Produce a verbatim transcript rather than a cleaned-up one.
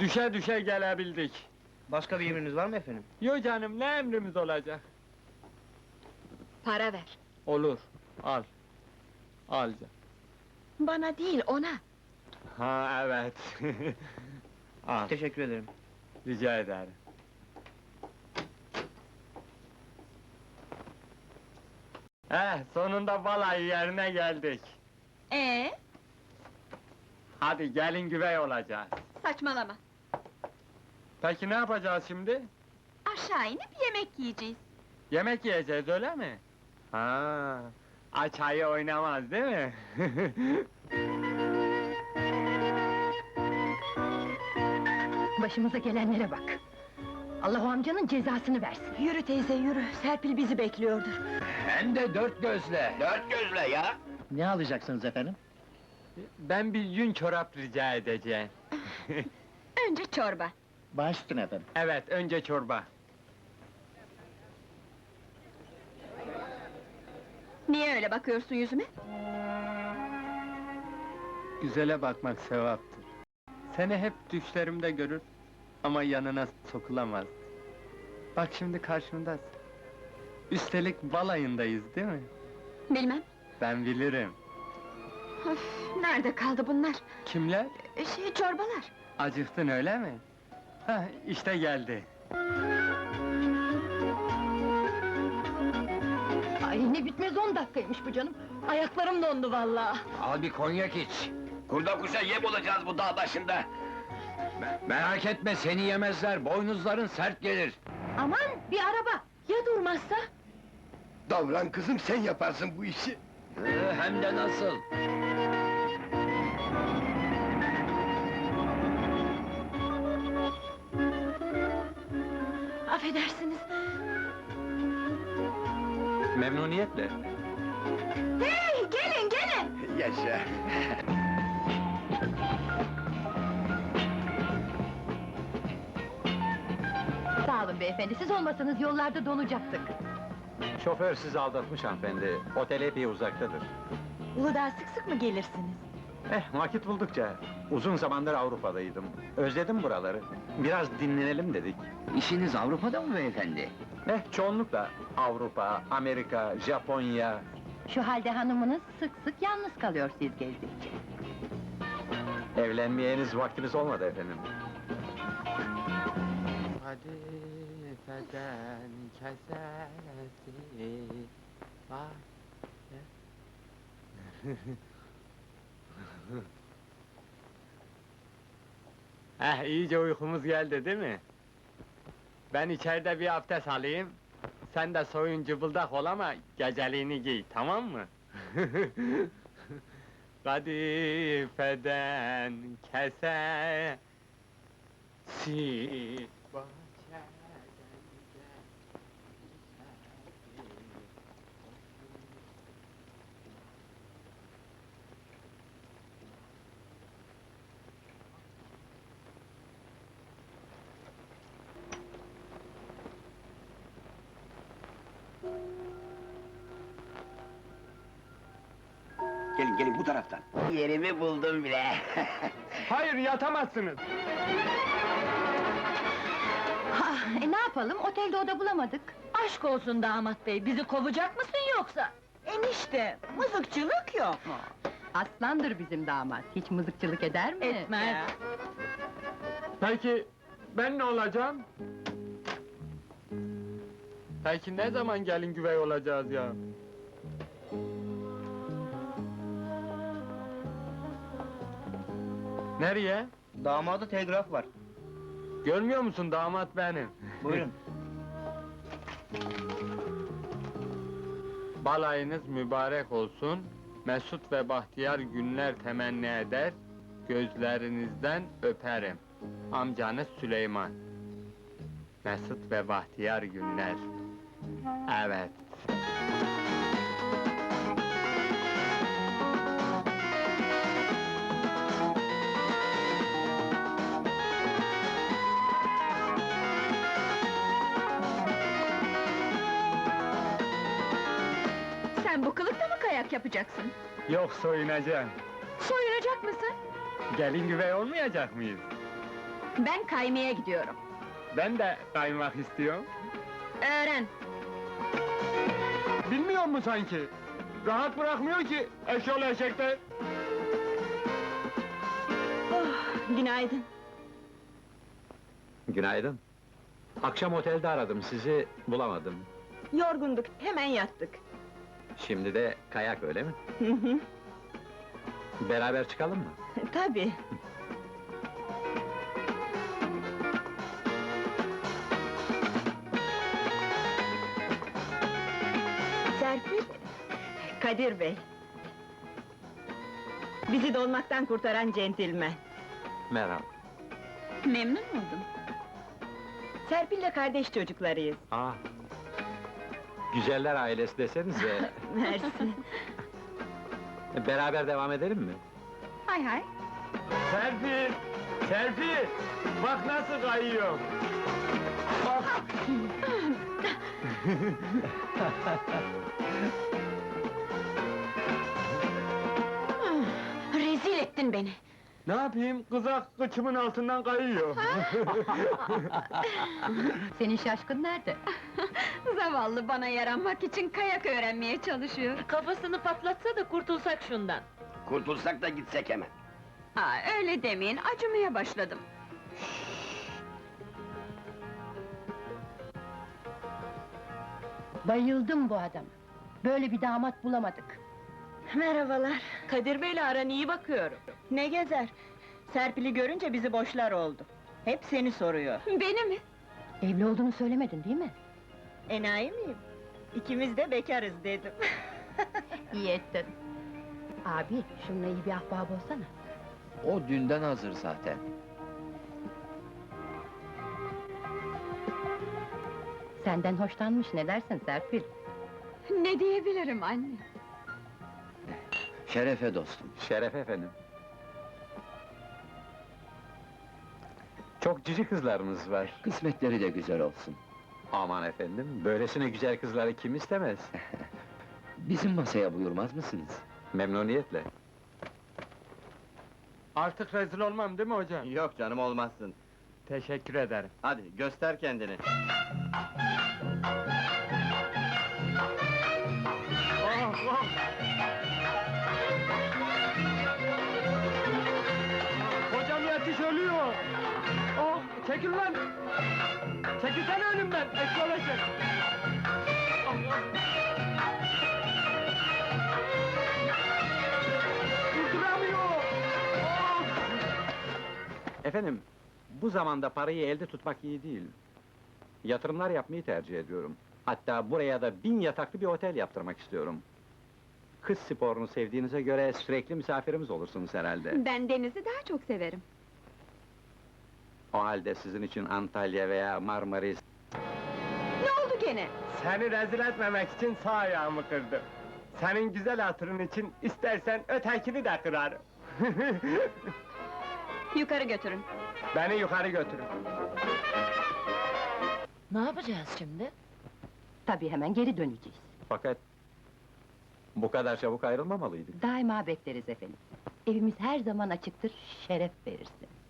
Düşe düşe gelebildik. Başka bir emriniz var mı efendim? Yo canım, ne emrimiz olacak? Para ver. Olur, al. Al canım. Bana değil, ona. Ha evet. Al, Teşekkür ederim. rica ederim. Eh, sonunda balayı yerine geldik. Ee, Hadi gelin güvey olacağız. saçmalama. Peki ne yapacağız şimdi? Aşağı inip yemek yiyeceğiz. Yemek yiyeceğiz, öyle mi? Ha, aç ayı oynamaz değil mi? Başımıza gelenlere bak! Allah o amcanın cezasını versin! Yürü teyze, yürü. Serpil bizi bekliyordur. Hem de dört gözle. Dört gözle ya! Ne alacaksınız efendim? Ben bir yün çorap rica edeceğim. Önce çorba. Baş üstüne efendim. Evet, önce çorba. Niye öyle bakıyorsun yüzüme? Güzele bakmak sevaptır. Seni hep düşlerimde görür ama yanına sokulamaz. Bak şimdi karşımdasın. Üstelik balayındayız değil mi? Bilmem. Ben bilirim. Of, nerede kaldı bunlar? Kimler? E, Şey, çorbalar. Acıktın öyle mi? Hah, işte geldi. Ay ne bitmez on dakikaymış bu canım! Ayaklarım dondu vallahi! Al bir konyak iç! Kurda kuşa yem olacağız bu dağ başında! Me- merak etme, seni yemezler, boynuzların sert gelir! Aman bir araba! Ya durmazsa? Davran kızım, sen yaparsın bu işi! Ee, hem de nasıl! Affedersiniz. Memnuniyetle. Hey, gelin, gelin! Yaşa! Sağ olun beyefendi, siz olmasanız yollarda donacaktık. Şoför sizi aldatmış hanımefendi. Otel epey uzaktadır. Uludağ'a sık sık mı gelirsiniz? Eh, vakit buldukça. Uzun zamandır Avrupa'daydım. Özledim buraları. Biraz dinlenelim dedik. İşiniz Avrupa'da mı beyefendi? Eh, çoğunlukla Avrupa, Amerika, Japonya... Şu halde hanımınız sık sık yalnız kalıyor siz gezdikçe. Evlenmeyeniz vaktiniz olmadı efendim. Hadi feden kesesi var. Heh, iyice uykumuz geldi değil mi? Ben içeride bir abdest alayım. Sen de soyun cıbıldak ol ama geceliğini giy, tamam mı? Kadifeden kese si Gelin, gelin bu taraftan! Yerimi buldum bile! Hayır, yatamazsınız! Ha, e, ne yapalım, otelde oda bulamadık. Aşk olsun damat bey, bizi kovacak mısın yoksa? Enişte, mızıkçılık yok. Aslandır bizim damat, hiç mızıkçılık eder mi? Etmez. Peki, ben ne olacağım? Peki ne zaman gelin güvey olacağız ya? Nereye? Damada telgraf var. Görmüyor musun, damat benim? Buyurun. Balayınız mübarek olsun, mesut ve bahtiyar günler temenni eder, gözlerinizden öperim. Amcanız Süleyman. Mesut ve bahtiyar günler. Evet. Sen bu kılıkta mı kayak yapacaksın? Yok, soyunacağım. Soyunacak mısın? Gelin güvey olmayacak mıyız? Ben kaymaya gidiyorum. Ben de kaymak istiyorum. Öğren. Bilmiyor mu sanki? Rahat bırakmıyor ki eşyol eşekler. Oh, günaydın. Günaydın. Akşam otelde aradım sizi, bulamadım. Yorgunduk, hemen yattık. Şimdi de kayak öyle mi? Hı hı, Beraber çıkalım mı? tabii. Serpil, Kadir Bey. Bizi dolmaktan kurtaran centilmen. Merhaba. Memnun oldum. Serpil'le kardeş çocuklarıyız. Aa. Güzeller ailesi desenize. Mersi. Beraber devam edelim mi? Hay hay. Serpil! Serpil! Bak nasıl kayıyor! Bak! Rezil ettin beni. Ne yapayım? Kızak kıçımın altından kayıyor. Senin şaşkın nerede? Zavallı bana yaranmak için kayak öğrenmeye çalışıyor. Kafasını patlatsa da kurtulsak şundan. Kurtulsak da gitsek hemen. Ha, öyle demeyin, acımaya başladım. Bayıldım bu adama. Böyle bir damat bulamadık. Merhabalar. Kadir Bey'le aran iyi bakıyorum. Ne gezer? Serpil'i görünce bizi boşlar oldu. Hep seni soruyor. Beni mi? Evli olduğunu söylemedin değil mi? Enayi miyim? İkimiz de bekarız dedim. İyi ettin. Abi, şununla iyi bir ahbap olsana. O dünden hazır zaten. Senden hoşlanmış, ne dersin Serpil? Ne diyebilirim anne? Şerefe dostum. Şeref efendim. Çok cici kızlarımız var. Kısmetleri de güzel olsun. Aman efendim, böylesine güzel kızları kim istemez? Bizim masaya buyurmaz mısınız? Memnuniyetle. Artık rezil olmam değil mi hocam? Yok canım, olmazsın. Teşekkür ederim. Hadi, göster kendini. Oh, oh! Hocam yetiş ölüyor! Oh, çekil lan! Çekilsene önümden, eşyol eşek! Allah! Durduramıyor! Oh! Efendim, bu zamanda parayı elde tutmak iyi değil. Yatırımlar yapmayı tercih ediyorum. Hatta buraya da bin yataklı bir otel yaptırmak istiyorum. Kız sporunu sevdiğinize göre sürekli misafirimiz olursunuz herhalde. Ben denizi daha çok severim. O halde sizin için Antalya veya Marmaris... Ne oldu gene? Seni rezil etmemek için sağ ayağımı kırdım. Senin güzel hatırın için istersen ötekini de kırarım. Yukarı götürün. Beni yukarı götürün. Ne yapacağız şimdi? Tabii hemen geri döneceğiz. Fakat... bu kadar çabuk ayrılmamalıydık. Daima bekleriz efendim. Evimiz her zaman açıktır, şeref verirsin.